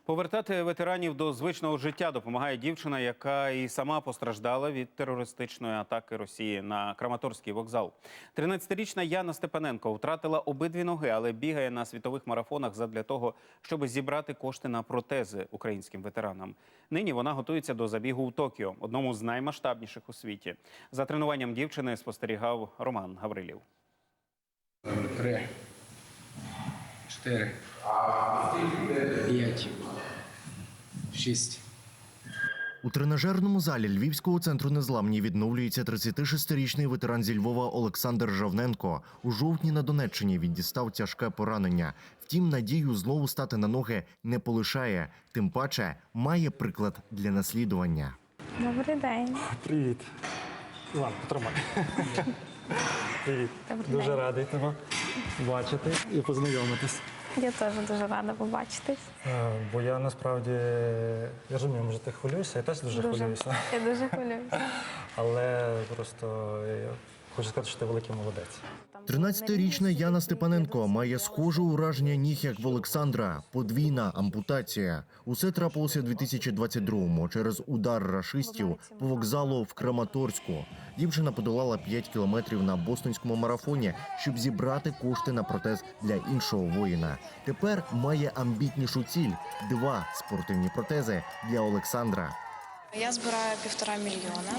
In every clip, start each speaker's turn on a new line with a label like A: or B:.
A: Повертати ветеранів до звичного життя допомагає дівчина, яка і сама постраждала від терористичної атаки Росії на Краматорський вокзал. 13-річна Яна Степаненко втратила обидві ноги, але бігає на світових марафонах задля того, щоб зібрати кошти на протези українським ветеранам. Нині вона готується до забігу у Токіо, одному з наймасштабніших у світі. За тренуванням дівчини спостерігав Роман Гаврилів.
B: 3, 4, 5, 6.
C: У тренажерному залі Львівського центру незламні відновлюється 36-річний ветеран зі Львова Олександр Жавненко. У жовтні на Донеччині він дістав тяжке поранення. Втім, надію знову стати на ноги не полишає. Тим паче, має приклад для наслідування.
D: Добрий день.
E: Привіт. Іван, потримай. Привіт. Дуже радий тебе бачити і познайомитись.
D: Я теж дуже рада побачитись.
E: Бо я насправді, я розумію, може ти хвилюєшся, я теж дуже хвилююся.
D: Я дуже хвилююся.
E: Але просто я хочу сказати, що ти великий молодець.
C: 13-річна Яна Степаненко має схоже ураження ніг, як в Олександра. Подвійна ампутація. Усе трапилося 2022-му через удар рашистів по вокзалу в Краматорську. Дівчина подолала 5 кілометрів на бостонському марафоні, щоб зібрати кошти на протез для іншого воїна. Тепер має амбітнішу ціль – 2 спортивні протези для Олександра.
F: Я збираю 1,5 мільйона.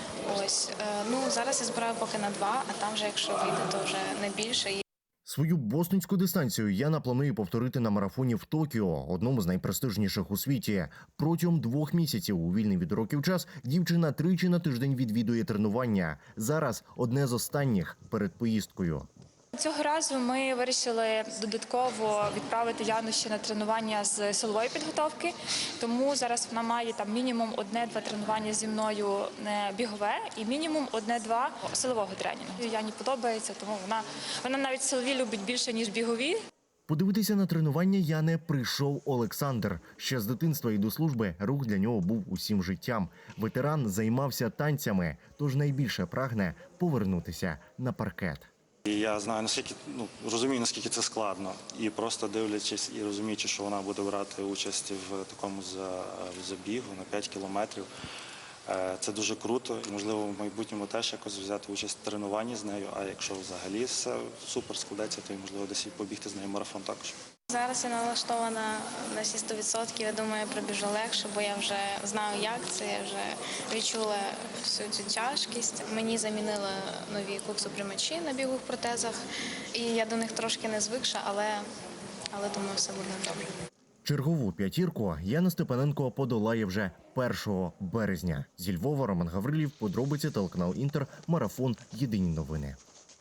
F: Зараз я збираю поки на 2, а там вже, якщо вийде, то вже не більше.
C: Свою бостонську дистанцію Яна планує повторити на марафоні в Токіо, одному з найпрестижніших у світі. Протягом 2 місяців у вільний від уроків час дівчина 3 на тиждень відвідує тренування. Зараз одне з останніх перед поїздкою.
F: Цього разу ми вирішили додатково відправити Яну ще на тренування з силової підготовки, тому зараз вона має там мінімум 1-2 тренування зі мною бігове і мінімум 1-2 силового тренінгу. Яні подобається, тому вона навіть силові любить більше, ніж бігові.
C: Подивитися на тренування Яни прийшов Олександр. Ще з дитинства і до служби рух для нього був усім життям. Ветеран займався танцями, тож найбільше прагне повернутися на паркет.
G: І я знаю, розумію, наскільки це складно. І просто дивлячись і розуміючи, що вона буде брати участь в такому забігу на 5 кілометрів, це дуже круто. І, можливо, в майбутньому теж якось взяти участь в тренуванні з нею. А якщо взагалі все супер складеться, то, можливо, десь і побігти з нею марафон також.
F: Зараз я налаштована на всі 100%. Я думаю, я пробіжу легше, бо я вже знаю, як це. Я вже відчула всю цю тяжкість. Мені замінили нові куксоприймачі на бігових протезах. І я до них трошки не звикша, але думаю, все буде добре.
C: Чергову п'ятірку Яна Степаненко подолає вже 1 березня. Зі Львова Роман Гаврилів, подробиці, телеканал Інтер, марафон, єдині новини.